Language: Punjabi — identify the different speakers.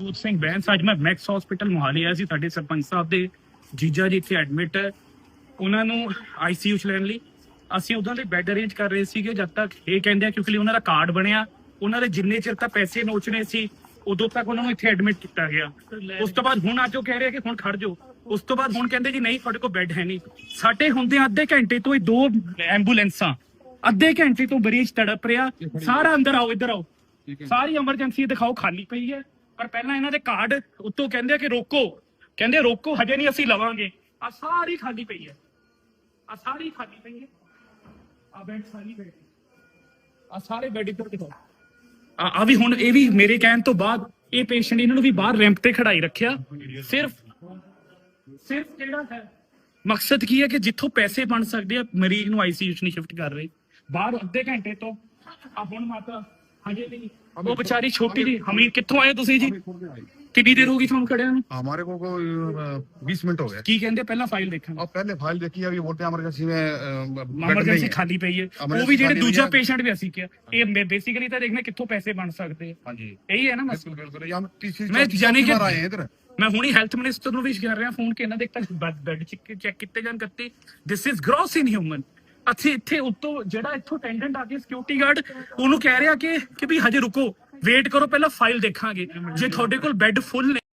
Speaker 1: ਜੋਤ ਸਿੰਘ ਬੈਂਸ ਅੱਜ ਮੈਂ ਮੈਕਸ ਹਸਪੀਟਲ ਮੁਹਾਲੀ ਆਇਆ ਸੀ। ਸਾਡੇ ਸਰਪੰਚ ਸਾਹਿਬ ਦੇ ਜੀਜਾ ਜੀ ਇੱਥੇ ਐਡਮਿਟ ਹੈ, ਉਹਨਾਂ ਨੂੰ ਆਈਸੀਯੂ ਚ ਲੈਣ ਲਈ ਅਸੀਂ ਉਹਨਾਂ ਦੇ ਬੈੱਡ ਅਰੇਂਜ ਕਰ ਰਹੇ ਸੀਗੇ। ਜਦ ਤੱਕ ਇਹ ਕਹਿੰਦੇ ਆ ਕਿਉਂਕਿ ਉਹਨਾਂ ਦਾ ਕਾਰਡ ਬਣਿਆ, ਉਹਨਾਂ ਦੇ ਜਿੰਨੇ ਚਿਰ ਤੱਕ ਪੈਸੇ ਨੋਚਣੇ ਸੀ ਉਦੋਂ ਤੱਕ ਉਹਨਾਂ ਨੂੰ ਇੱਥੇ ਐਡਮਿਟ ਕੀਤਾ ਗਿਆ। ਉਸ ਤੋਂ ਬਾਅਦ ਹੁਣ ਅੱਜ ਉਹ ਕਹਿ ਰਹੇ ਕਿ ਹੁਣ ਖੜ ਜਾਓ। ਉਸ ਤੋਂ ਬਾਅਦ ਹੁਣ ਕਹਿੰਦੇ ਜੀ ਨਹੀਂ ਤੁਹਾਡੇ ਕੋਲ ਬੈੱਡ ਹੈ ਨਹੀਂ। ਸਾਡੇ ਹੁੰਦੇ ਅੱਧੇ ਘੰਟੇ ਤੋਂ ਇਹ 2 ਐਂਬੂਲੈਂਸਾਂ ਅੱਧੇ ਘੰਟੇ ਤੋਂ ਮਰੀਜ਼ ਤੜਪ ਰਿਹਾ। ਸਾਰਾ ਅੰਦਰ ਆਓ, ਇੱਧਰ ਆਓ, ਸਾਰੀ ਐਮਰਜੈਂਸੀ ਦਿਖਾਓ ਖਾਲੀ ਪਈ ਹੈ। ਪਰ ਪਹਿਲਾਂ ਇਹਨਾਂ ਦੇ ਕਾਰਡ ਉੱਤੋਂ ਕਹਿੰਦੇ ਕਿ ਰੋਕੋ, ਕਹਿੰਦੇ ਰੋਕੋ ਹਜੇ ਨਹੀਂ ਅਸੀਂ ਲਵਾਂਗੇ। ਆ ਸਾਰੀ ਖਾਲੀ ਪਈ ਹੈ, ਆ ਸਾਰੀ ਖਾਲੀ ਪਈ ਹੈ, ਆ ਬੈੱਡ ਸਾਰੀ ਪਈ, ਆ ਸਾਰੇ ਬੈੱਡ ਇੱਧਰ ਦਿਖਾਓ। ਆ ਵੀ ਹੁਣ ਇਹ ਵੀ ਮੇਰੇ ਕਹਿਣ ਤੋਂ ਬਾਅਦ ਇਹ ਪੇਸ਼ੈਂਟ ਇਹਨਾਂ ਨੂੰ ਵੀ ਬਾਹਰ ਰੈਂਪ ਤੇ ਖੜਾਈ ਰੱਖਿਆ। ਸਿਰਫ ਕਿਹੜਾ ਹੈ ਮਕਸਦ ਕੀ ਹੈ ਕਿ ਜਿੱਥੋਂ ਪੈਸੇ ਬਣ ਸਕਦੇ ਆ ਮਰੀਜ਼ ਨੂੰ ਆਈਸੀਯੂ ਚ ਨਹੀਂ ਸ਼ਿਫਟ ਕਰ ਰਹੇ। ਬਾਹਰ ਅੱਧੇ ਘੰਟੇ ਤੋਂ ਆ ਹੁਣ ਮਾਤਾ ਹਜੇ ਨਹੀਂ, ਉਹ ਵਿਚਾਰੀ ਛੋਟੀ ਜੀ ਹਮੀਰ। ਕਿੱਥੋਂ ਆਏ ਤੁਸੀਂ ਜੀ? ਕਿੰਨੀ ਦੇਰ ਹੋ ਗਈ ਤੁਹਾਨੂੰ ਖੜਿਆਂ ਨੂੰ?
Speaker 2: हमारे को 20 मिनट हो गए।
Speaker 1: ਕੀ ਕਹਿੰਦੇ ਪਹਿਲਾਂ ਫਾਈਲ ਦੇਖਾਂਗੇ।
Speaker 2: अब पहले फाइल देखी, अभी बोलते हैं इमरजेंसी में
Speaker 1: ਐਮਰਜੈਂਸੀ ਖਾਲੀ ਪਈ ਹੈ। ਉਹ ਵੀ ਜਿਹੜੇ ਦੂਜਾ ਪੇਸ਼ੈਂਟ ਵੀ ਅਸੀਂ ਕਿਹਾ ਇਹ ਬੇਸਿਕਲੀ ਤਾਂ ਦੇਖਣਾ ਕਿੱਥੋਂ ਪੈਸੇ ਬਣ ਸਕਦੇ ਆ।
Speaker 2: हाँ जी
Speaker 1: ਇਹੀ ਹੈ ਨਾ ਮਸਲਾ।
Speaker 2: बिल्कुल बिल्कुल। ये हम तीसरी
Speaker 1: मैं
Speaker 2: चौथी
Speaker 1: जाने के-
Speaker 2: बार आए हैं इधर।
Speaker 1: ਮੈਂ ਹੁਣੀ ਹੈਲਥ ਮਿਨਿਸਟਰ ਨੂੰ ਵੀ ਕਰ ਰਿਹਾ ਫੋਨ ਕਿ ਇਹਨਾਂ ਦੇ ਤੱਕ ਬੈੱਡ ਚੈੱਕ ਕੀਤੇ ਜਾਣ ਕੱਤੇ। This is gross inhuman. ਇੱਥੇ ਉੱਤੋਂ ਜਿਹੜਾ ਇੱਥੋਂ ਅਟੈਂਡੈਂਟ ਆ ਕੇ ਸਿਕਿਉਰਿਟੀ ਗਾਰਡ ਉਹਨੂੰ ਕਹਿ ਰਿਹਾ ਕਿ ਵੀ ਹਜੇ ਰੁਕੋ, ਵੇਟ ਕਰੋ, ਪਹਿਲਾਂ ਫਾਈਲ ਦੇਖਾਂਗੇ। ਜੇ ਤੁਹਾਡੇ ਕੋਲ ਬੈੱਡ ਫੁੱਲ ਨੇ